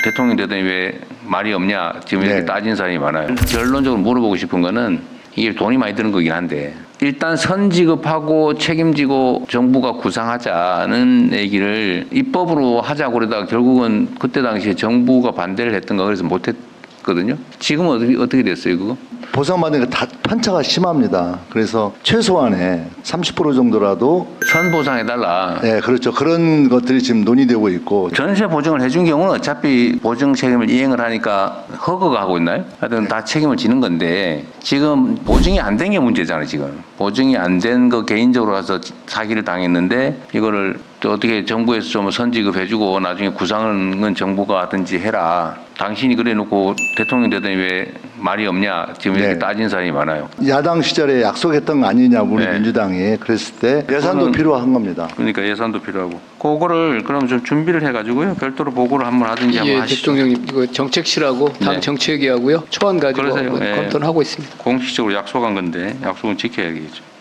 대통령 되더니 왜 말이 없냐 지금 이렇게 네. 따진 사람이 많아요. 결론적으로 물어보고 싶은 거는 이게 돈이 많이 드는 거긴 한데 일단 선지급하고 책임지고 정부가 구상하자는 얘기를 입법으로 하자고 그러다가 결국은 그때 당시에 정부가 반대를 했던가 그래서 못했거든요. 지금은 어떻게 됐어요 그거? 보상받는 게 다 편차가 심합니다. 그래서 최소한의 30% 정도라도 선보상해달라. 네, 그렇죠. 그런 것들이 지금 논의되고 있고 전세 보증을 해준 경우는 어차피 보증 책임을 이행을 하니까 허가가 하고 있나요? 하여튼 다 책임을 지는 건데 지금 보증이 안 된 게 문제잖아요. 지금 보증이 안 된 거 개인적으로 가서 사기를 당했는데 이거를 또 어떻게 정부에서 좀 선지급해주고 나중에 구상은 정부가 하든지 해라. 당신이 그래놓고 대통령 되더니 왜 말이 없냐 지금 이렇게 네. 따진 사람이 많아요. 야당 시절에 약속했던 거 아니냐 우리 네. 민주당이 그랬을 때 예산도 그거는- 필요한 겁니다. 그러니까 예산도 필요하고 그거를 그럼 좀 준비를 해가지고요 별도로 보고를 한번 하든지 한번 예, 하시죠. 대통령님 이거 정책실하고 당 네. 정책위하고요 초안 가지고 그러세요. 한번 예. 검토를 하고 있습니다. 공식적으로 약속한 건데 약속은 지켜야겠죠.